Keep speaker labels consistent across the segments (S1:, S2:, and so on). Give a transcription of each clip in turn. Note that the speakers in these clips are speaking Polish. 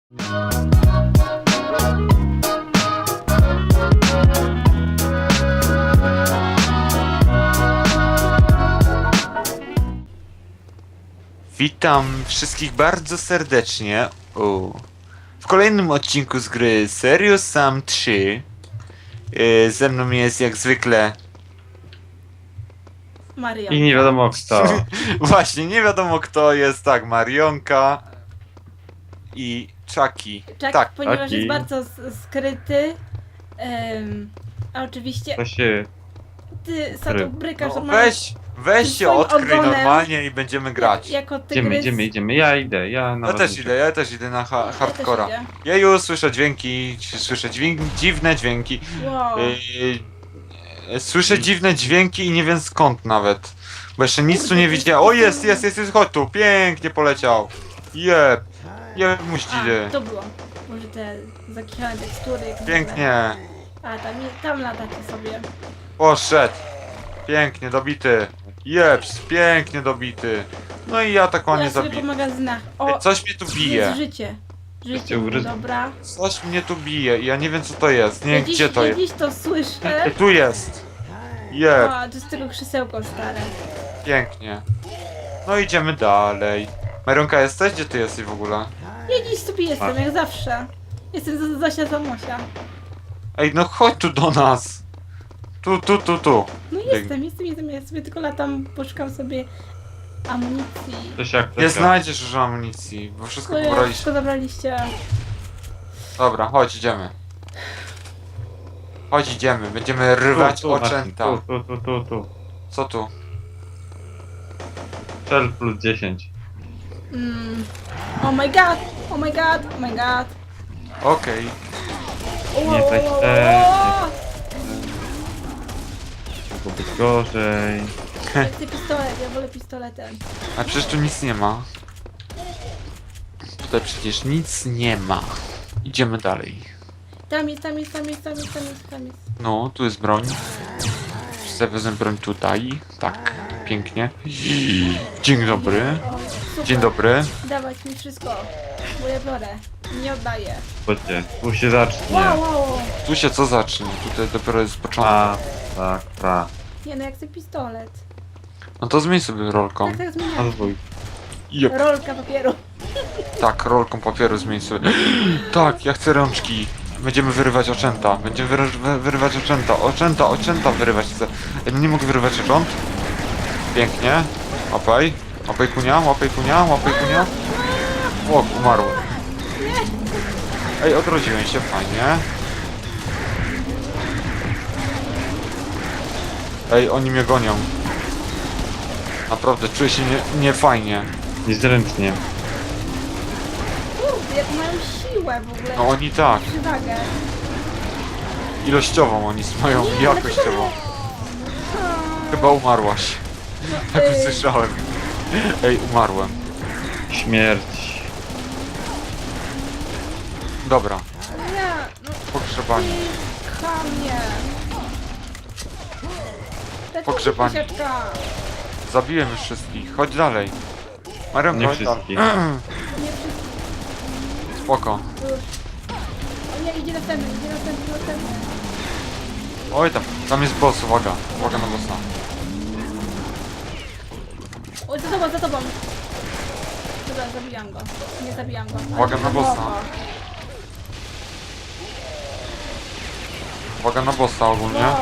S1: Witam wszystkich bardzo serdecznie w kolejnym odcinku z gry Serious Sam 3. Ze mną jest jak zwykle
S2: Maria.
S3: I nie wiadomo kto.
S1: właśnie nie wiadomo kto jest, tak, Marionka i Chucky.
S2: Jack,
S1: Tak,
S2: ponieważ
S3: taki.
S2: jest bardzo skryty. A oczywiście
S3: To się...
S2: ty Satu brykasz
S1: no,
S2: ma-
S1: weź się
S2: swoim
S1: odkryj
S2: ogonem.
S1: normalnie i będziemy grać.
S2: Jako tygrys.
S3: Idziemy. Ja idę,
S1: Ja też idę na hardcora.
S2: idę.
S1: Ja już słyszę dźwięki, dziwne dźwięki.
S2: Wow.
S1: Słyszę dziwne dźwięki i nie wiem skąd nawet. Bo jeszcze nic tu nie widziałem. O, jest, chodź tu, pięknie poleciał. Jeb muścidy.
S2: A, to było. Może te zakichane tekstury. jak
S1: Pięknie.
S2: A, tam latacie sobie.
S1: Poszedł. Pięknie dobity. Jeps, pięknie dobity. No i ja tak ładnie
S2: Ja sobie
S1: zabiję.
S2: po magazynach. O,
S1: Coś mnie tu bije.
S2: jest życie. Życie,
S3: ugryzł.
S2: dobra.
S1: Coś mnie tu bije i ja nie wiem co to jest. Nie wiem
S2: Dziś,
S1: gdzie to jest.
S2: Dziś to słyszę.
S1: Tu jest. Jeb,
S2: A, to jest tylko krzesełko stare.
S1: pięknie. No idziemy dalej. Marionka, jesteś? Gdzie ty jesteś w ogóle?
S2: Ja dziś sobie jestem, jak zawsze. Jestem Zosia Zamosia.
S1: Ej, no chodź tu do nas. Tu.
S2: No jestem, ja sobie tylko latam, poszukam sobie amunicji.
S3: To się jak
S1: Nie znajdziesz już amunicji, bo wszystko
S2: No ja,
S1: pobraliście.
S2: wszystko zabraliście.
S1: Dobra, chodź, idziemy. Chodź, idziemy. Będziemy rywać oczęta.
S3: Tu.
S1: Co tu?
S3: Cel plus 10.
S2: Oh my god, oh my god, oh my god.
S1: Okej.
S3: Nie tak
S2: O!
S3: Mogło być gorzej.
S2: Ja chcę pistolet, ja wolę pistoletem.
S1: A przecież tu nic nie ma. Tutaj przecież nic nie ma. Idziemy dalej.
S2: Tam jest.
S1: No, tu jest broń. Zawiozę broń tutaj. Tak, pięknie. Dzień dobry.
S2: O, super.
S1: Dzień dobry.
S2: Dawać mi wszystko, bo ja biorę. Nie oddaję.
S3: Chodźcie, tu się zacznie.
S2: Wow.
S1: Tu się co zacznie? Tutaj dopiero jest początek.
S3: Tak.
S2: Nie no, ja chcę pistolet.
S1: No to zmień sobie rolką.
S2: Tak zmieniam.
S3: Rozwój.
S1: Jep.
S2: Rolka papieru.
S1: Tak, rolką papieru zmień sobie. Tak, ja chcę rączki. Będziemy wyrywać oczęta. Będziemy wyrywać oczęta. Oczęta wyrywać chcę. Ej, no nie mogę wyrywać ocząt. Pięknie. Łapaj. Łapaj kunia. O, umarłem. Ej, odrodziłem się, fajnie. Ej, oni mnie gonią. Naprawdę, czuję się niefajnie.
S3: Niezręcznie.
S2: Kurde, jak mają siłę w ogóle.
S1: No oni tak.
S2: Przewagę.
S1: Ilościową oni mają,
S2: Nie,
S1: jakościową. Chyba umarłaś. Tak
S2: Ej.
S1: usłyszałem. Ej, umarłem.
S3: Śmierć.
S1: Dobra,
S2: Nie, no
S1: pogrzebanie.
S2: ty chamie.
S1: Pogrzebanie.
S2: Siaczka.
S1: Zabiłem już wszystkich, chodź dalej. Marionko,
S3: Nie
S1: chodź dalej.
S3: wszystkich.
S2: Nie wszystko
S1: Spoko.
S2: już. O nie, idzie następny.
S1: Oj tam jest boss, uwaga. Uwaga na bossa.
S2: O, za tobą. Dobra, zabijam go. Nie zabijam go. Ale
S1: Uwaga na bossa.
S2: głowa.
S1: Uwaga na bossa ogólnie.
S2: Wow.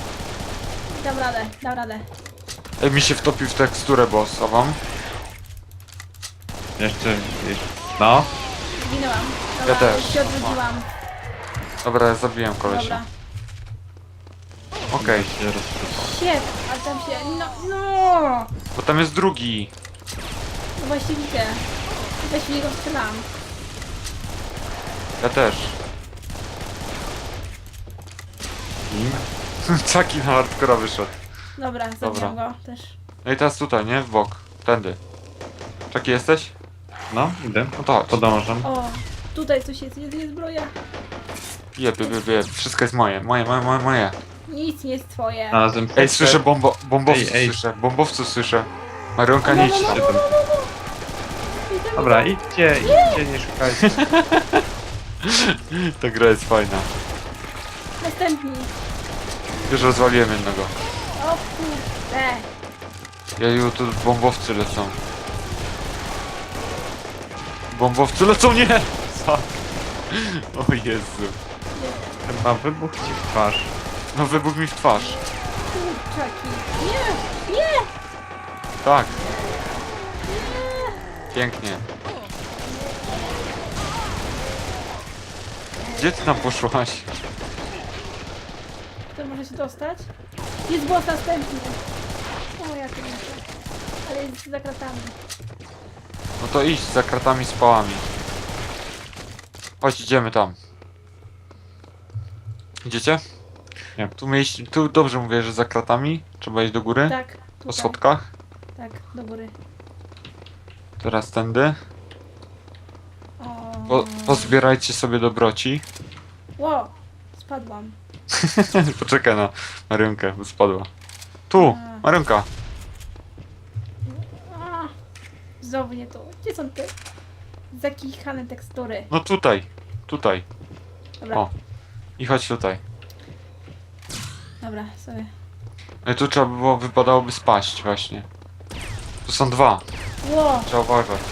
S2: Dam radę.
S1: Ej, mi się wtopił w teksturę boss, a wam?
S3: Jeszcze. No.
S2: Zginęłam.
S1: Ja
S2: Dobra,
S1: też.
S2: się odwróciłam.
S1: Dobra, ja zabiłem kolesia.
S2: Dobra.
S1: Okej,
S3: Się rozsypał.
S2: Shit, ale tam się... No!
S1: bo tam jest drugi.
S2: No właśnie widzę. Weź w niego strzelam.
S1: Ja też. Taki na hardcora wyszedł.
S2: Dobra, zabijam go też.
S1: No i teraz tutaj, nie? W bok. Tędy. Czaki jesteś?
S3: No, idę.
S1: No to chodź.
S3: Podążam.
S2: O, tutaj coś jest zbroja.
S1: Jeb. Wszystko jest moje. Moje.
S2: Nic nie jest twoje.
S3: Znalazłem
S1: Ej, słyszę bombowców
S3: Ej.
S1: słyszę. Bombowców słyszę. Marionka, nie idź tam.
S3: Dobra, idźcie, nie szukajcie.
S1: Ta gra jest fajna.
S2: Następni.
S1: Już rozwaliłem jednego.
S2: O kurde.
S1: Jeju, tu bombowcy lecą. Bombowcy lecą, nie! Fuck. O Jezu.
S3: Chyba wybuch ci w twarz.
S1: No wybuch mi w twarz.
S2: Kurczaki. Nie! Nie!
S1: Tak. Pięknie. Gdzie ty tam poszłaś?
S2: To może się dostać? Jest boss następny. O, ja to muszę. Ale jest za kratami.
S1: No to idź za kratami z pałami. Chodź, idziemy tam. Idziecie?
S3: Nie.
S1: Tu dobrze mówię, że za kratami. Trzeba iść do góry.
S2: Tak.
S1: Po
S2: Tutaj.
S1: schodkach.
S2: Tak, do góry.
S1: Teraz tędy.
S2: O.
S1: Pozbierajcie sobie dobroci.
S2: Ło! Spadłam.
S1: Poczekaj na Marionkę, bo spadła. Tu! Marionka!
S2: A, znowu nie tu. Gdzie są te zakichane tekstury?
S1: No tutaj! Tutaj!
S2: Dobra,
S1: O. I chodź tutaj.
S2: dobra, sobie.
S1: No i tu trzeba by było, wypadałoby spaść właśnie. Tu są dwa.
S2: Ło!
S1: Trzeba uważać.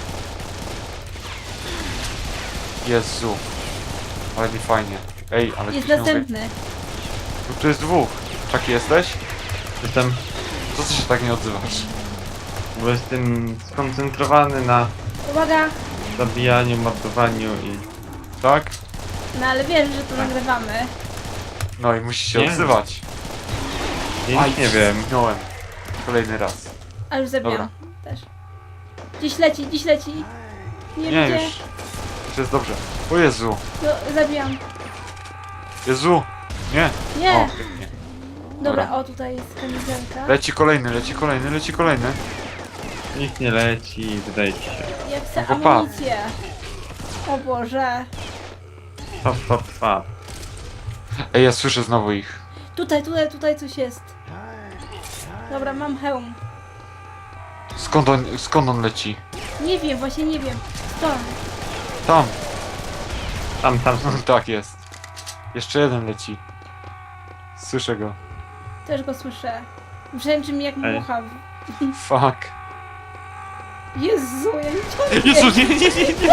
S1: Jezu. Ale nie fajnie. Ej, ale
S2: Jest
S1: tu się mówię.
S2: następny.
S1: Tu jest dwóch. Taki jesteś?
S3: Jestem,
S1: Co ty się tak nie odzywasz?
S3: bo jestem skoncentrowany na
S2: Uwaga!
S3: zabijaniu, mordowaniu i...
S1: Tak?
S2: No ale wiesz, że to nagrywamy.
S1: No i musisz się
S3: Nie.
S1: odzywać.
S3: Ja nic nie wiem.
S1: Zginąłem. Kolejny raz.
S2: A już zabijam.
S1: Dobra.
S2: Też. Dziś leci, dziś leci. Nie,
S1: Nie,
S2: wiem
S1: już. Już jest dobrze. O Jezu.
S2: No, zabijam.
S1: Jezu. Nie.
S2: Nie!
S1: O, pięknie.
S2: Dobra, o tutaj jest kamizelka.
S1: Leci kolejny, leci kolejny, leci kolejny.
S3: Nikt nie leci, wydajcie się.
S2: Ja chcę
S1: No to pa.
S2: amunicję. O Boże.
S3: Pap, pap, pap.
S1: Ej, ja słyszę znowu ich.
S2: Tutaj coś jest. Dobra, mam hełm.
S1: Skąd on leci?
S2: Nie wiem, właśnie nie wiem. Stąd.
S1: Tam.
S3: Tam
S1: Tak jest. Jeszcze jeden leci. Słyszę go.
S2: Też go słyszę. Brzęczy mi jak
S3: Ej.
S2: mucha.
S1: Fuck.
S2: Jezu, ja nie
S1: Jezu, nie, nie, nie, nie.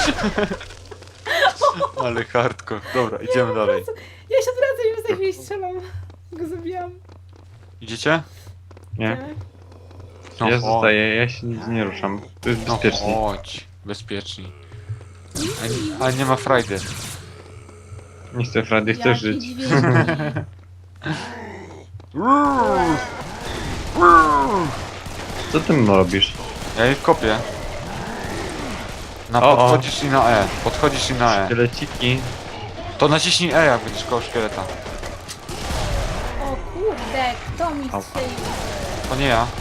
S1: Ale hardcore. Dobra, idziemy dalej.
S2: Ja się odwracam i za chwilę strzelam. Go zabijam.
S1: Idziecie?
S3: Nie?
S2: Tak.
S1: No
S3: Ja
S1: chodź.
S3: zostaję, ja się nie ruszam. To jest
S1: No
S3: bezpiecznie.
S1: chodź. Bezpieczni. A nie ma frajdy.
S3: Nie chcę Frady, chcę
S2: Jaki
S3: żyć.
S2: dźwięki.
S3: Co ty robisz?
S1: Ja ich kopię.
S3: O, o.
S1: Podchodzisz i na E. Podchodzisz i na E.
S3: Szkieleciki.
S1: To naciśnij E, jak będziesz koło szkieleta.
S2: O kurde, kto mi
S3: Au.
S2: strzelił?
S1: To nie ja.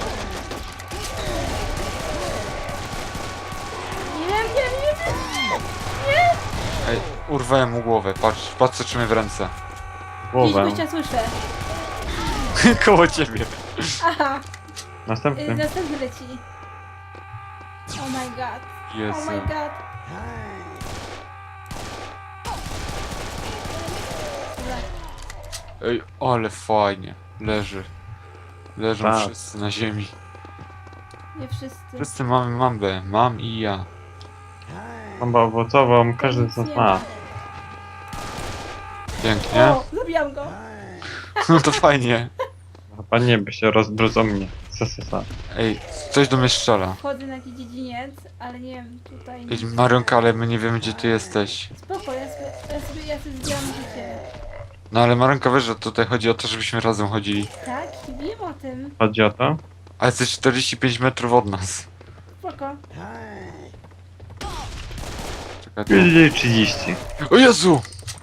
S2: Nie!
S1: Ej, urwałem mu głowę. Patrz co trzymie w ręce.
S2: Gdzieś
S3: Głowę.
S2: gościa słyszę.
S1: Koło ciebie.
S2: Aha,
S3: Następny.
S2: następny leci. Oh my god.
S1: Jezu.
S2: Oh my god. Dobra,
S1: Ej, ale fajnie. Leży. Leżą
S3: Tak.
S1: wszyscy na ziemi.
S2: nie wszyscy.
S1: Wszyscy mamy mambę. Mam i ja.
S3: Bombę owocową, każdy z nas ma.
S1: Pięknie.
S2: O, zabijam go.
S1: No to fajnie.
S3: Chyba nie, by się rozbrodzą mnie. Sa.
S1: Ej, coś do mnie strzela.
S2: Wchodzę na jakiś dziedziniec, ale nie wiem, tutaj...
S1: Ej, Marionka, ale my nie wiemy gdzie ty jesteś.
S2: Spoko, ja sobie zbieram życie.
S1: No ale Marionka, wiesz, że tutaj chodzi o to, żebyśmy razem chodzili.
S2: Tak, wiem o tym.
S3: Chodzi o to?
S1: A jesteś 45 metrów od nas.
S2: Spoko.
S1: Czekaj, tu.
S3: 30.
S1: O Jezu!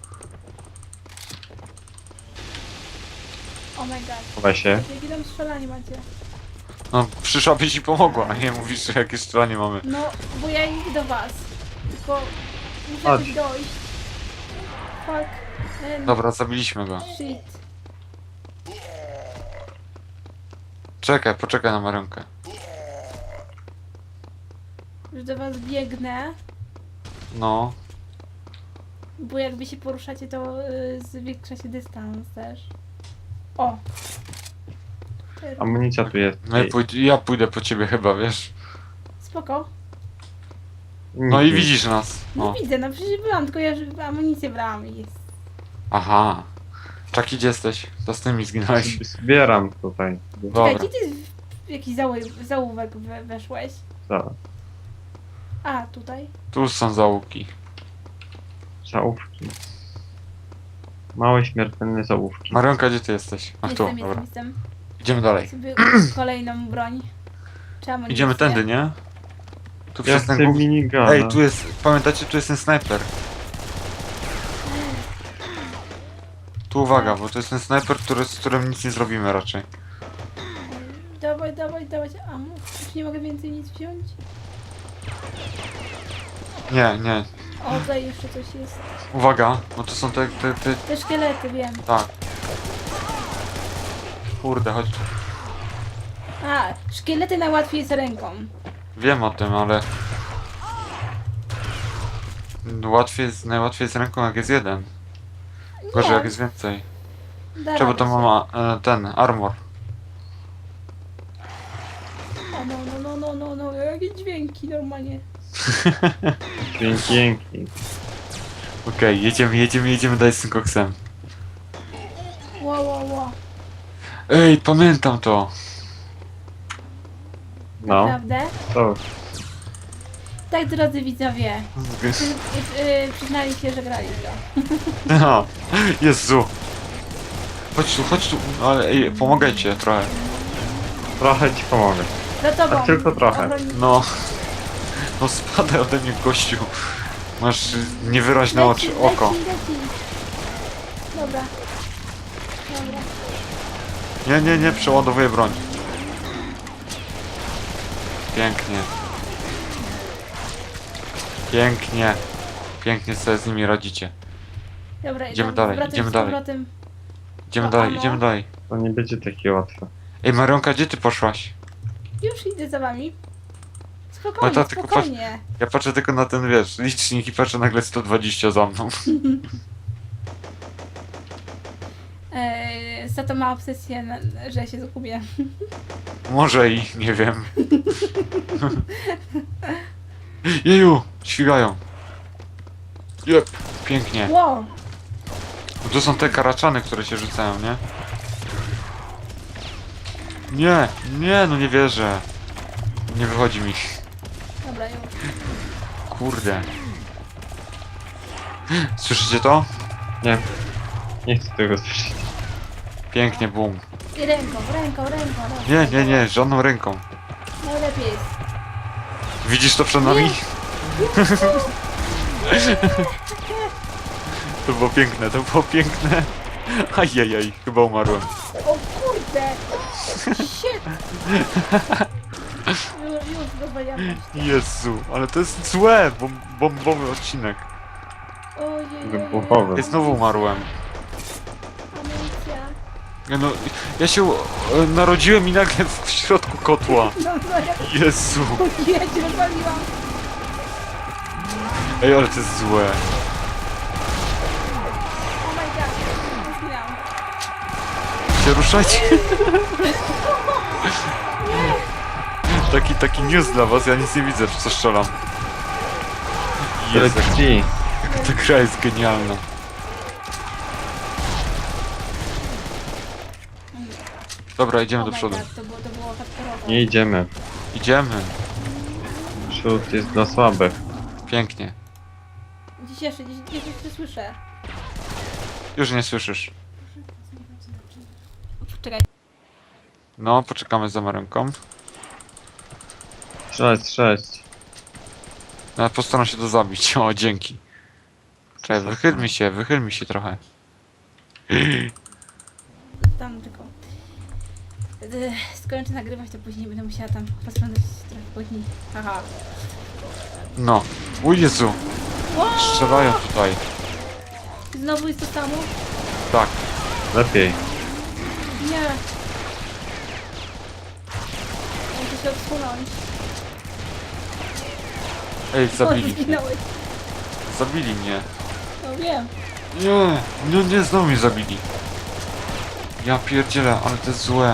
S2: Oh my god.
S3: Chowaj się.
S2: Jakie tam strzelanie macie?
S1: No, przyszłabyś i pomogła, a nie mówisz, że jakie strzelanie mamy.
S2: No, bo ja idę do was. Tylko muszę
S3: Chodź.
S2: jakoś dojść. Fuck.
S1: Dobra, zabiliśmy go.
S2: Shit.
S1: Czekaj, poczekaj na Marionkę.
S2: Już do was biegnę,
S1: No.
S2: bo jakby się poruszacie, to zwiększa się dystans też. O!
S3: Amunicja tu jest.
S1: No ja pójdę po ciebie chyba, wiesz.
S2: Spoko.
S1: No i widzisz nas.
S2: No
S1: No.
S2: widzę, no przecież byłam, tylko ja już amunicję brałam i jest.
S1: Aha. Czaki, gdzie jesteś? To z tymi zginąłeś.
S3: Zbieram tutaj.
S2: Czekaj,
S1: Dobra.
S2: gdzie ty w jakiś zaułek weszłeś?
S3: Zaraz.
S2: A, tutaj.
S1: Tu są zaułki.
S3: Załówki. Małe śmiertelne załówki.
S1: Marionka, gdzie ty jesteś? Ach, tu, dobra.
S2: Jestem.
S1: Idziemy dalej.
S2: Sobie kolejną broń. Czy amunicję?
S1: Idziemy tędy, nie? Tu
S3: Ja
S1: przez ten
S3: chcę
S1: górz...
S3: minigana.
S1: Ej, tu jest... Pamiętacie, tu jest ten snajper. Tu uwaga, bo to jest ten snajper, z którym nic nie zrobimy raczej.
S2: Dawaj, dawaj, dawaj. Amu. Już nie mogę więcej nic wziąć.
S1: Nie, nie.
S2: O, tutaj jeszcze coś jest.
S1: Uwaga, bo to są te...
S2: Te szkielety, wiem.
S1: Tak. Kurde, chodź tu.
S2: A, szkielety najłatwiej jest ręką.
S1: Wiem o tym, ale... Najłatwiej jest ręką, jak jest jeden. Gorzej, jak jest więcej.
S2: Da
S1: Czemu to
S2: radę się.
S1: ma ten, armor.
S2: O, no, jakie dźwięki normalnie.
S3: Dzięki.
S1: Okej, jedziemy dalej z tym koksem.
S2: Ło.
S1: Ej, pamiętam to.
S3: No,
S2: Naprawdę?
S3: to
S2: Tak, drodzy widzowie. Przyznali się, że grali w to.
S1: No, Jezu. Chodź tu, ale ej, pomagajcie trochę.
S3: trochę ci pomogę.
S2: Za tobą.
S3: Tak tylko trochę.
S2: Ochroni-
S1: No. No spadaj ode mnie, gościu. Masz niewyraźne oczy, oko.
S2: Leci. Dobra.
S1: Nie, przeładowuję broń. Pięknie. Pięknie sobie z nimi radzicie.
S2: Dobra,
S1: Idziemy
S2: dobra,
S1: dalej,
S2: wracam
S1: idziemy
S2: z
S1: dalej.
S2: powrotem.
S1: Idziemy dalej.
S3: To nie będzie takie łatwe.
S1: Ej, Marionka, gdzie ty poszłaś?
S2: Już idę za wami.
S1: No
S2: Spokojnie,
S1: to tylko
S2: spokojnie.
S1: Ja patrzę tylko na ten, wiesz, licznik i patrzę nagle 120 za mną.
S2: Za to ma obsesję, że się zgubię.
S1: Może i nie wiem. Jeju, świgają. Jep, pięknie.
S2: Wow.
S1: Bo to są te karaczany, które się rzucają, nie? Nie, no nie wierzę. Nie wychodzi mi.
S2: Dobra, już.
S1: Kurde. Słyszycie to?
S3: Nie. Nie chcę tego słyszeć.
S1: Pięknie, bum.
S2: I ręką.
S1: Nie, żadną ręką.
S2: Najlepiej jest.
S1: Widzisz to przed nami? To było piękne. Ajajaj, chyba umarłem.
S2: O kurde! Shit! Już rozmawiam.
S1: Jezu, ale to jest złe, bombowy odcinek.
S2: Ojej.
S3: Wybuchowy.
S1: Ja znowu umarłem.
S2: Amunicja.
S1: No, ja się narodziłem i nagle w środku kotła.
S2: No, ja...
S1: Jezu.
S2: Ja cię rozwaliłam.
S1: Ej, ale to jest złe.
S2: Oh my god. Zginęłam.
S1: Się ruszajcie. Taki news dla was, ja nic nie widzę, w co strzelam. Jezu,
S3: Leci.
S1: ta gra jest genialna. Dobra, idziemy do
S2: Oh my
S1: przodu.
S2: God, to było hardkorowe.
S3: Nie idziemy.
S1: Idziemy.
S3: Przód jest dla słabych.
S1: Pięknie.
S2: Gdzie się słyszę.
S1: Już nie słyszysz.
S2: Czekaj.
S1: No, poczekamy za Marionką.
S3: Strzelać.
S1: Ja postaram się to zabić. O, dzięki. Czekaj, wychyl mi się trochę.
S2: Tam tylko. Skończę nagrywać, to później będę musiała tam rozglądać trochę później. Haha.
S1: No. O Jezu, strzelają tutaj.
S2: Znowu jest to samo?
S1: Tak.
S3: Lepiej.
S2: Nie. Muszę się odsunąć.
S1: Ej,
S2: O,
S1: zabili.
S2: zginąłeś.
S1: Zabili mnie.
S2: No wiem.
S1: Nie, no nie, znowu mnie zabili. Ja pierdzielę, ale to jest złe.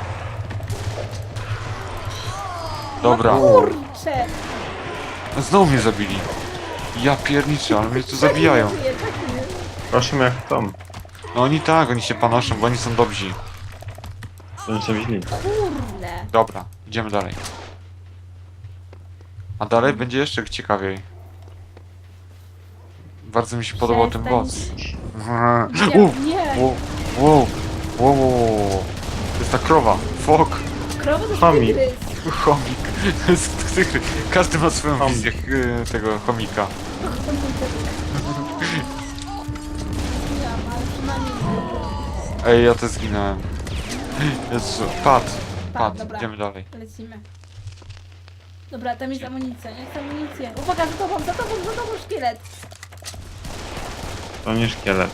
S1: Dobra,
S2: No kurczę.
S1: znowu mnie zabili. Ja pierniczę, ale mnie tu zabijają.
S2: Tak nie, tak nie.
S3: Proszę jak chcą.
S1: No oni tak, oni się panoszą, bo oni są dobrzy.
S3: To nie są źli.
S2: Kurde.
S1: Dobra, idziemy dalej. A dalej będzie jeszcze ciekawiej. Bardzo mi się podobał ten boss.
S2: Nie, nie.
S1: Wow, wow, wow, wow. To jest ta krowa. Fok.
S2: Krowa to
S3: Chomik.
S2: tygrys.
S1: Chomik. To jest tygrys. Każdy ma swoją
S3: Chomik.
S1: wizję tego chomika.
S2: Ja, ale przynajmniej
S1: Ej, ja też zginąłem. Jezu, padł.
S2: dobra.
S1: Idziemy dalej.
S2: lecimy. Dobra, tam jest amunicja, jest amunicja. Uwaga, za tobą, szkielet.
S3: To nie szkielet.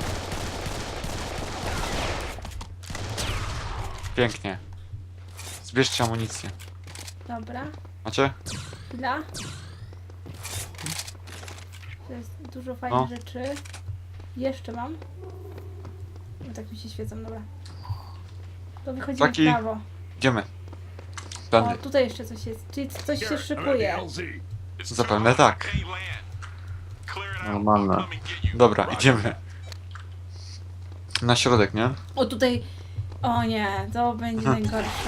S1: Pięknie. Zbierzcie amunicję.
S2: Dobra,
S1: Macie?
S2: chwila. To jest dużo fajnych
S1: No.
S2: rzeczy. Jeszcze mam. No tak mi się świecą, dobra. To wychodzimy
S1: Taki-
S2: w prawo.
S1: Idziemy.
S2: O,
S1: Tędy.
S2: tutaj jeszcze coś jest. Czyli coś się szykuje.
S1: Zapewne tak.
S3: Normalne.
S1: Dobra, idziemy. Na środek, nie?
S2: O, tutaj... O nie, to będzie najgorsze.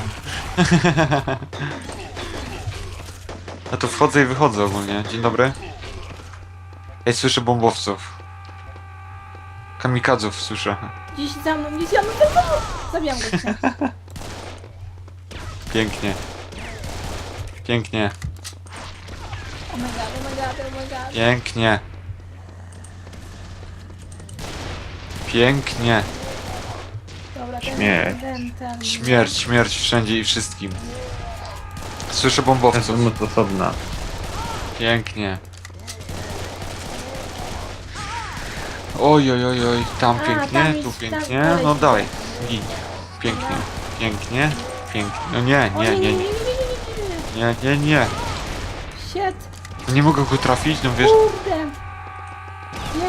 S1: Ja tu wchodzę i wychodzę ogólnie. Dzień dobry. Ej, słyszę bombowców. Kamikadzów słyszę.
S2: Gdzieś za mną. Zabijam go.
S1: Pięknie. Pięknie.
S2: Oh my god.
S1: Pięknie. Pięknie.
S2: Dobra,
S3: Śmierć.
S2: ten.
S1: Śmierć wszędzie i wszystkim. Słyszę
S3: To jest
S1: bombowców.
S3: moc osobna.
S1: Pięknie. Oj, tam
S2: A,
S1: pięknie,
S2: tam
S1: tu
S2: jest-
S1: pięknie,
S2: tam
S1: no
S2: dalej.
S1: dalej. Gin. Pięknie, pięknie. No nie.
S2: O
S1: Nie.
S2: Shit.
S1: Nie mogę go trafić, no wiesz.
S2: Kurde. Nie.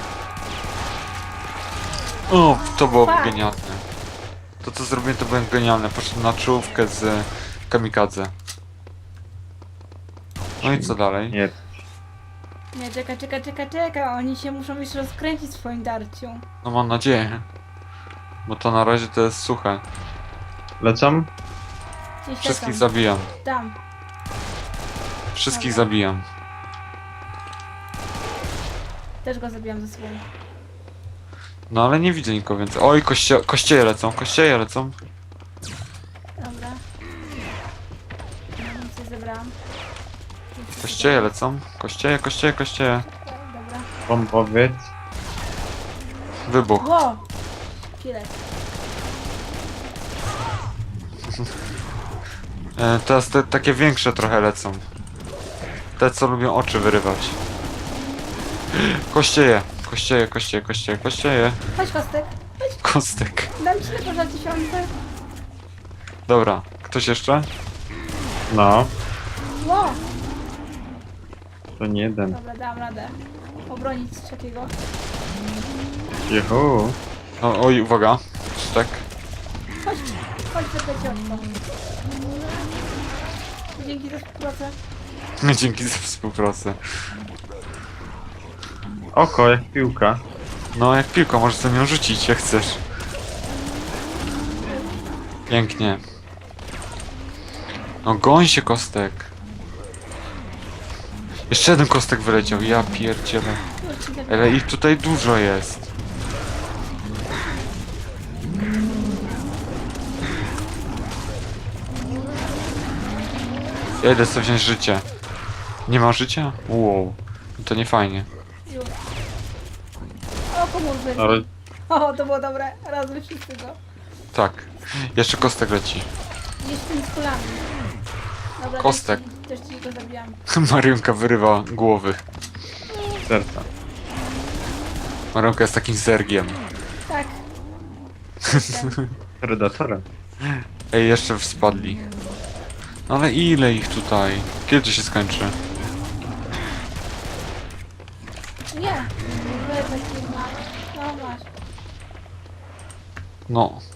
S1: O, to było
S2: Fuck.
S1: genialne. To co zrobiłem, to było genialne. Poszedłem na czołówkę z kamikadze. No i co dalej?
S3: Nie.
S2: Nie, czeka. Oni się muszą jeszcze rozkręcić w swoim darciu.
S1: No mam nadzieję. Bo to na razie to jest suche.
S3: Lecą?
S2: Gdzieś
S1: Wszystkich
S2: lecą.
S1: zabijam.
S2: Tam.
S1: Wszystkich
S2: Dobra.
S1: zabijam.
S2: Też go zabijam ze sobą.
S1: No ale nie widzę nikogo więcej. Oj, kościeje lecą.
S2: Dobra. Nic nie zebrałam.
S1: Kościeje lecą. Kościeje.
S2: Dobra.
S3: Bombowiec.
S1: Wybuch.
S2: Ło! Szkielet.
S1: Teraz te takie większe trochę lecą. Te co lubią oczy wyrywać. Kościeje.
S2: Chodź, Kostek.
S1: Kostek.
S2: Dam ci tylko za 1000.
S1: Dobra, ktoś jeszcze?
S3: No.
S2: Ło!
S3: To nie jeden.
S2: Dobra, dam radę. Obronić trzeciego.
S3: Juhu.
S1: O, oj, uwaga. Tak.
S2: Chodź, zapytaj oczko. Dzięki za współpracę.
S1: Dzięki za współpracę.
S3: Oko jak piłka.
S1: No jak piłka, możesz sobie nią rzucić jak chcesz. Pięknie. No goń się, Kostek. Jeszcze jeden Kostek wyleciał, ja pierdzielę.
S2: Już ci zabieram.
S1: Ale ich tutaj dużo jest. Ja idę sobie wziąć życie. Nie ma życia? Wow. To nie fajnie.
S2: Już. O, pomóż
S3: Ale
S2: O, to było dobre. Razem wszyscy go.
S1: Tak. Jeszcze Kostek leci.
S2: Jeszcze z kulami. Dobra,
S1: Kostek.
S2: Też ci go zabijam.
S1: Marionka wyrywa głowy.
S3: serca.
S1: Marionka jest takim zergiem.
S2: Tak.
S3: Predatorem.
S1: Ej, jeszcze spadli. No ale ile ich tutaj? Kiedy to się skończy?
S2: Nie! Takie ma. No masz.
S1: No.